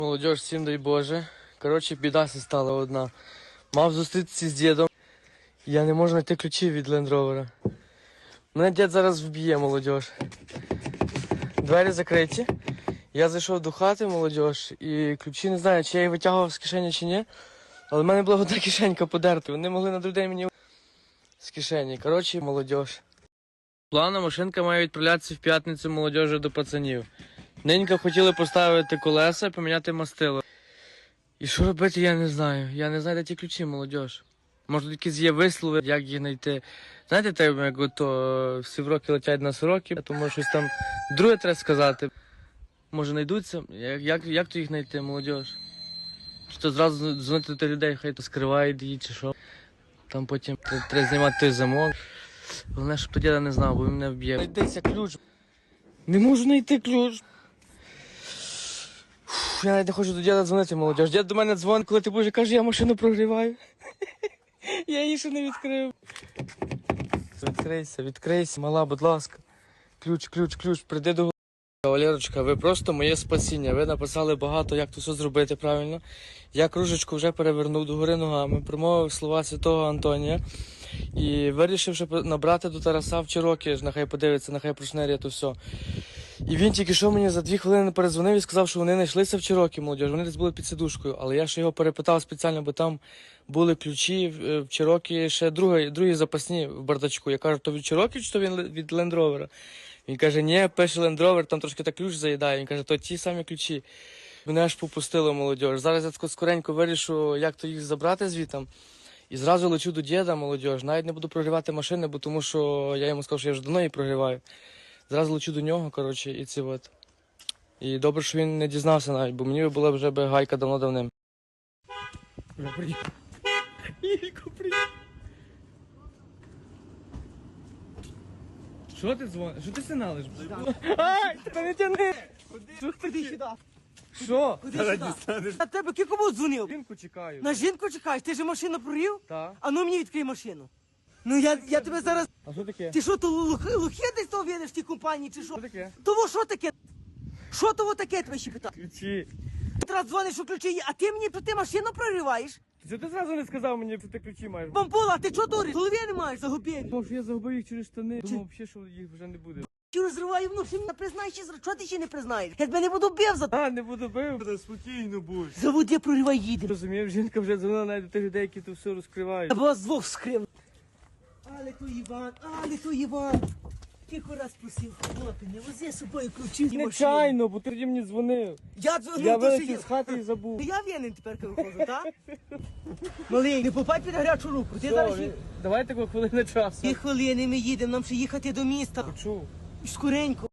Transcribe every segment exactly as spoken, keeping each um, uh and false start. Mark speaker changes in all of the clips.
Speaker 1: Молодіж, всім дай Боже. Коротше, біда стала одна. Мав зустрітися з дідом. Я не можу знайти ключі від Land Rover. Мене дід зараз вб'є, молодіж. Двері закриті. Я зайшов до хати, молодіж, і ключі не знаю, чи я їх витягував з кишені, чи ні. Але в мене була одна кишенька подерта. Вони могли на другий день мені з кишені. Коротше, молодіж. Плана машинка має відправлятися в п'ятницю молодіжі до пацанів. Ненька хотіли поставити колеса і поміняти мастило. І що робити, я не знаю. Я не знаю, де ті ключі, молодіж. Може, якісь є вислови, як їх знайти. Знаєте, так, як ото всі вроки летять на сороки, тому щось там друге треба сказати. Може, знайдуться? Як, як, як то їх знайти, молодіж? Чи то зразу дзвонити до людей, хай то скривають її, чи що. Там потім треба знімати той замок. Головне, щоб то діда не знав, бо він мене вб'є. Знайдеться ключ. Не можу знайти ключ. Фу, я навіть не хочу до діда дзвонити, молодіж. Дід до мене дзвонить, коли ти будеш, і каже, я машину прогріваю. Я її ще не відкрив. Відкрийся, відкрийся, мала, будь ласка. Ключ, ключ, ключ, прийди до голови. Валерочка, ви просто моє спасіння. Ви написали багато, як то все зробити правильно. Я кружечку вже перевернув догори ногами, промовив слова святого Антонія. І вирішив, щоб набрати до Тараса в Чирокі, нехай подивиться, нехай прошнерє то все. І він тільки що мені за дві хвилини передзвонив і сказав, що вони знайшлися в Чирокі, молодіж. Вони десь були під сидушкою. Але я ще його перепитав спеціально, бо там були ключі в Чирокі, ще другі, другі запасні в бардачку. Я кажу, то від Чирокі чи то від Land Rover? Він каже, ні, пише Land Rover, там трошки так ключ заїдає. Він каже, то ті самі ключі. Мене аж попустило, молодіж. Зараз я скоренько вирішу, як то їх забрати звітом. І зразу лечу до діда, молодіж. Навіть не буду прогрівати машини, бо тому що я йому сказав, що я вже давно її прогріваю. Зразу лечу до нього, коротше, і це от. І добре, що він не дізнався навіть, бо мені була вже би гайка давно-давним. Ілько, привіт! Що ти дзвониш? Що ти сигналиш? Ай, та не тяни!
Speaker 2: Ходи сюди.
Speaker 1: Що?
Speaker 2: Ходи сюди. На тебе ки кому дзвонив?
Speaker 1: Жінку чекаю.
Speaker 2: На жінку чекаєш? Ти ж машину провів?
Speaker 1: Так.
Speaker 2: А ну мені відкрий машину. Ну я, я тебе зараз...
Speaker 1: А що таке?
Speaker 2: Ти що, то лухи, лухи десь того видиш в тій компанії, чи що?
Speaker 1: Що таке?
Speaker 2: Того що таке? Що того таке, тебе ще питаю?
Speaker 1: Ключі.
Speaker 2: Ти раз дзвониш, що ключі є, а ти мені, ти машину прориваєш?
Speaker 1: Це ти зразу не сказав мені, що ти ключі маєш.
Speaker 2: Бамбула, ти чого дуриш? Голови не маєш, загубив.
Speaker 1: Думав, що я загубив їх через штани. Думав взагалі, що їх вже не буде.
Speaker 2: Чи розриваю, ну, що не признаєш, чи чого ти ще не признаєш? Я тебе не буду бив за...
Speaker 1: А, не буду бив. Спокійно будь.
Speaker 2: Заводи, проривай, їдемо.
Speaker 1: Розумів, жінка вже дзвонила навіть до тих людей, які то все розкривають.
Speaker 2: Або з двох вскрив. Але то Іван, але то Іван. Тихо раз просив, хлопці, не вози з собою ключі з машини.
Speaker 1: Нечайно, бо ти тоді мені дзвонив.
Speaker 2: Я дзвонив,
Speaker 1: Я
Speaker 2: то що
Speaker 1: вилетів
Speaker 2: є.
Speaker 1: з хати і забув.
Speaker 2: Я винен тепер, коли виходжу, так? Малий, не попай під гарячу руку. Ти
Speaker 1: Що,
Speaker 2: зараз...
Speaker 1: ви- давайте таку хвилину часу.
Speaker 2: Дві хвилини ми їдемо, нам ще їхати до міста.
Speaker 1: Почув.
Speaker 2: Скоренько.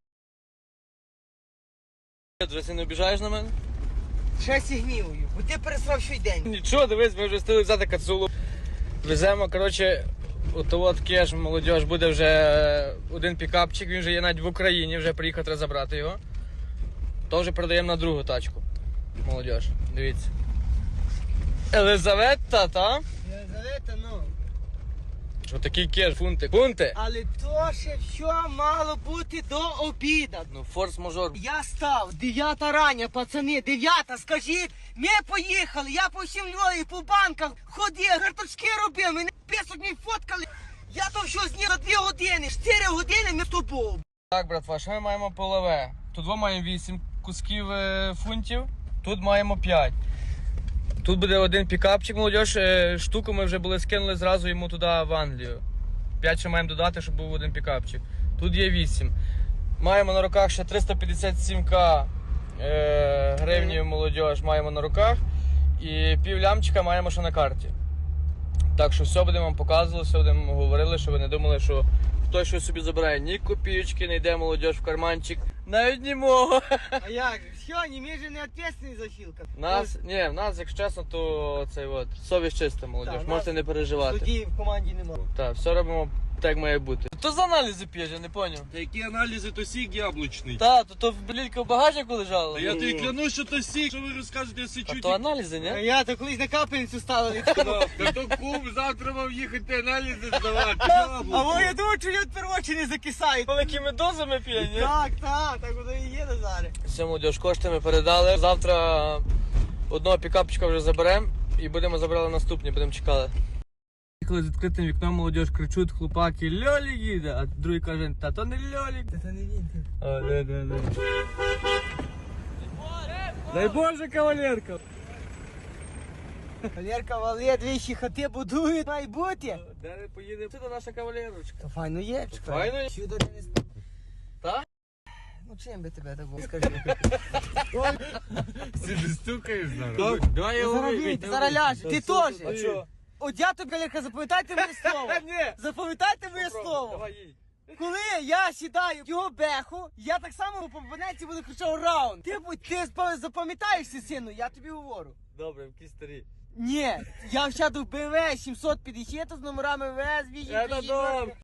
Speaker 1: Ти не обіжаєш на мене?
Speaker 2: Ще сігнівую, бо ти пересрав щодень.
Speaker 1: Нічого, дивись, ми вже встигли взяти кацулу. Веземо, коротше, ото от кеш, молодіж, буде вже один пікапчик, він вже є навіть в Україні, вже приїхав, треба забрати його. То вже передаємо на другу тачку. Молодіж, дивіться. Елизавета, та?
Speaker 2: Єлизавета, ну.
Speaker 1: Отакий кеш, фунти. Фунти!
Speaker 2: Але то ще все мало бути до обіда.
Speaker 1: Ну, форс-мажор.
Speaker 2: Я став, дев'ята рання, пацани, дев'ята, скажіть, ми поїхали, я по всім Львові, по банках ходив, карточки робив, мене писок мені фоткали. Я то все зніг за дві години, чотири години ми з тобою.
Speaker 1: Так, братва, що ми маємо полове? Тут ми маємо вісім кусків е, фунтів, тут маємо п'ять. Тут буде один пікапчик, молодіж, е, штуку ми вже були скинули зразу йому туди в Англію. п'ять ще маємо додати, щоб був один пікапчик. Тут є вісім. Маємо на руках ще триста п'ятдесят сім ка е, гривнів, молодіж, маємо на руках. І пів лямчика маємо ще на карті. Так що все будемо вам показувати, все будемо говорили, щоб ви не думали, що хтось щось собі забирає. Ні копійочки, не йде молодіж в карманчик. Навіть ні мого.
Speaker 2: А як? Все, не ми же не відповідальні за Філка.
Speaker 1: Нас, ні, в нас, якщо чесно, то цей от, совість чиста, молодіж,
Speaker 2: Так,
Speaker 1: можете
Speaker 2: нас
Speaker 1: не переживати.
Speaker 2: Тоді в команді немає.
Speaker 1: Так, все робимо Так має бути. То за аналізи п'єш, я не поняв.
Speaker 3: Та які аналізи, то сік яблучний.
Speaker 1: Та, то то блілька в багажнику лежала.
Speaker 3: Та я тобі клянусь, що то сік, що ви розкажете, я
Speaker 1: А
Speaker 3: сичу.
Speaker 1: то аналізи, ні?
Speaker 2: Я то колись на капельницю ставили.
Speaker 3: Та то кум завтра мав їхати аналізи здавати.
Speaker 2: А во я думаю, що люди первочі не закисають.
Speaker 1: Великими дозами п'є, ні?
Speaker 2: Так, так, так воно і є Назаре.
Speaker 1: Все, молодіж, кошти ми передали. Завтра одного пікапчика вже заберемо і будемо забрали наступні, будемо чекати. Їхали з відкритим вікном, молодіж, кричуть хлопаки, Льолік їде, а другий каже, та то не Льолік.
Speaker 2: Це не він.
Speaker 1: А, да, да, да. Дай Боже, кавалерка.
Speaker 2: Валерка, Валє, двічі хати будують, має бути.
Speaker 1: Де ми поїдемо? Це наша кавалерочка.
Speaker 2: То файно є, чекай.
Speaker 1: Файно є.
Speaker 2: Чудо не спав.
Speaker 1: Так?
Speaker 2: Ну чим би тебе так було, скажи.
Speaker 3: Ти не стукаєш зараз?
Speaker 1: Давай я
Speaker 2: Зараз
Speaker 1: ловлю.
Speaker 2: вийде, зараз ляже, ти теж.
Speaker 1: А що?
Speaker 2: От я тобі, Валерка, запам'ятайте моє слово.
Speaker 1: Ні.
Speaker 2: Запам'ятайте моє слово.
Speaker 1: Давай їдь.
Speaker 2: Коли я сідаю в його беху, я так само по абоненті буду кричав раунд. Ти, будь- ти спа- запам'ятаєшся, сину, я тобі говорю.
Speaker 1: Добре, які старі.
Speaker 2: Ні, я сяду в БМВ сімсот п'ятдесят з номерами ВС,
Speaker 1: Це
Speaker 2: вісім,
Speaker 1: добре.